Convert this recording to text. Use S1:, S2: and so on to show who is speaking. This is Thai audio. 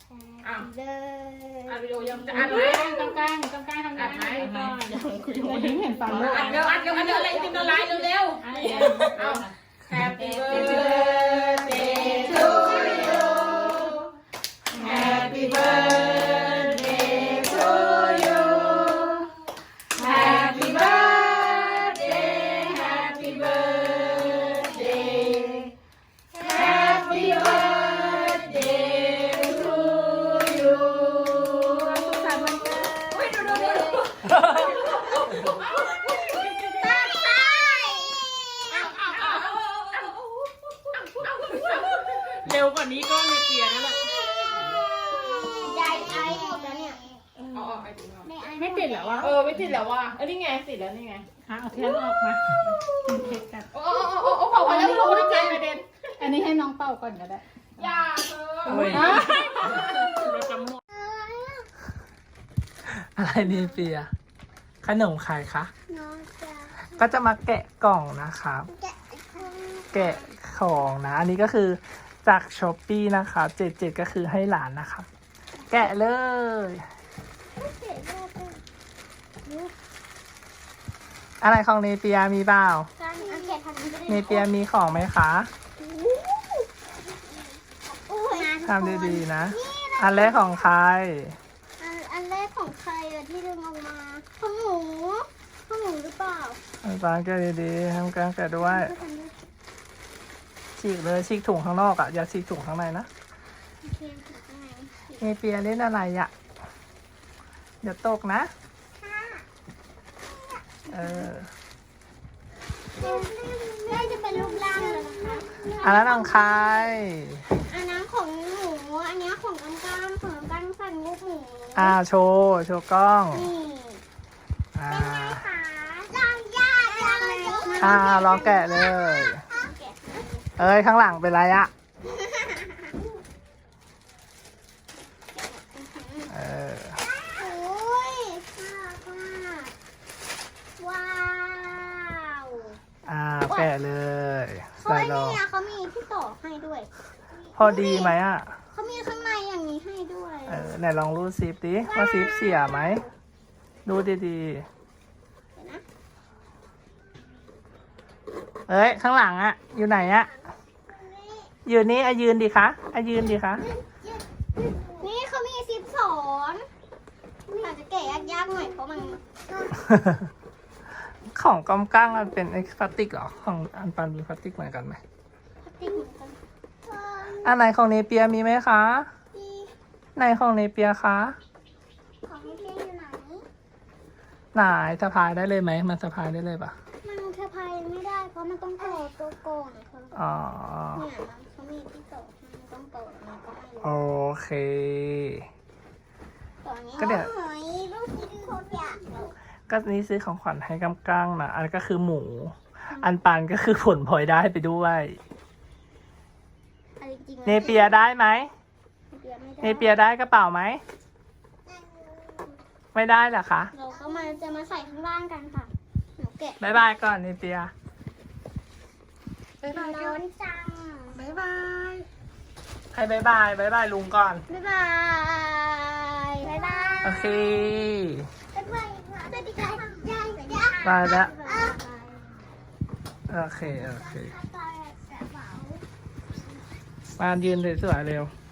S1: อ้าว
S2: เลย
S1: อัดวิดีโอยังจะอัดไหม
S3: กลางทำงานก่อนเห็นฟังด้วย
S1: อัดเร็วอะไรติมละลายเร็วๆเอา Happy birthday to you Happy birthday to you Happy birthday Happy birthday Happy birthday to you สุขสันต์วันเกิดเฮ้ยดูเร็วกว่านี้ก็ไม่เปลี่ยนแล้วแหละ
S2: ยายไอหมดแล้วเนี่ย
S3: ไม่ติดเหรอวะ
S1: ไม่ติดแล้วว่ะนี่ไงติดแล้วนี่ไง
S3: เอาเทียนออกมากินเค้กกัน
S1: โอ้พอแล้วเราไม่ได้ใจประเด็น
S3: อันนี้ให้น้องเป่าก่อนก็ได้
S1: อย่าเธอ
S3: เราจะหมด
S4: อะไรนี่เปียขนมใครคะ
S2: น้องจะ
S4: ก็จะมาแกะกล่องนะครับ
S2: แกะของ
S4: แกะของนะ อันนี้ก็คือจากช้อปปี้นะคะ77ก็คือให้หลานนะครับ แกะเลย
S2: เสียโลกเลย
S4: อะไรของเนเปียมีเปล่า
S2: การเอาแกะทำนี้ก็ได้
S4: เนเปียมีของไหมคะ
S2: โอ้ย
S4: ทำดีๆนะ อันแรกของใคร
S2: อันแรกของใครอะที่ดึงออกมาของหนูหรือเปล่า
S4: อันปางแกะดีๆทำการแกะด้วย
S2: ก็ทำด้วย
S4: ฉีกเลยฉีกถุงข้างนอกอ่ะอย่าฉีกถุงข้างในนะ
S2: โอเคถูกไหม
S4: เนเปียเล่นอะไรอ่ะเดี๋ยวตกนะ
S2: ค่ะ
S4: เออ
S2: แม่จะเป็นรูปร่างเลยนะคะ
S4: อันนั้นของใคร
S2: อันนั้นของหนูอันนี้ของกำกำของกำกำสั่งลูกหมู
S4: โชว์กล้อง
S2: นี่
S4: อ่า
S2: ขาลองยากจังเลย
S4: ลองแกะเลย เอ้ยข้างหลังเป็นไรอะเออ
S2: โอ้ยน่ารักมากว้าว
S4: แกะเลย
S2: เฮ้
S4: ใส่
S2: ย
S4: รอ
S2: เนี่ยเขามีที่ต่อให้ด้วย
S4: พอดีไหมอะ
S2: เขามีข้างในอย่างนี้ให้ด้วย
S4: ไหนลองรูดซิปดิว่าซิปเสียไหมดูดี
S2: เดี๋ยวนะ
S4: ๆเอ้ยข้างหลังอะอยู่ไหนอะอยู่นี่ยืนดิคะยืนดิคะ
S2: นี่เขามีซิปสอนอาจจะแกะยากๆหน่อยเพราะมัน
S4: ของกำกั้งมันเป็นพลาสติกเหรอของอันปันมีพลาสติกเหมือนกันไหม
S2: พลาสติกเหมือนกัน
S4: อันไหนของเนเปียมีไหมคะ
S2: ที่
S4: ไหนของเนเปียคะ
S2: ของพี่เพียอยู่ไหน
S4: ไหนสะพายได้เลยไหมมันสะพายได้เลยปะ
S2: มันเทพายไม่ได้เพราะมันต้องต่อตัวก่อนค่ะ
S4: อ๋อ
S2: เนี่ยมันเขามีที่ต่อมันต้องต่อมันก็ไม่รู้
S4: โอเค
S2: ตอนนี้
S4: ก็เดี๋ยว
S2: โอ้ยลูกชิ้นโคตรอยากเลย
S4: ก็นี่ซื้อของขวัญให้กำกั้งนะอันก็คือหมู อันปันก็คือผลพลอยได้ไปด้วย
S2: เอาจริงๆ
S4: เนเปียได้ไหม
S2: เน
S4: เนเปียได้กระเป๋าไหม ไม่ได้เหรอคะ
S2: เราก็จะมาใส่ข้างล่างกันค่ะหนูแกะ
S4: บายบายก่อนเนเปียบายบาย
S2: ร้อนจัง
S4: บายบายให้บายบายบายบายลุงก่อน
S2: บ๊ายบายบ๊ายบาย
S4: โอเค
S2: บ๊ายบายสวัสดีค่ะยาย
S4: บายแล้ว
S2: บ๊ายบาย
S4: โอเค มายืนสวยๆเร็ว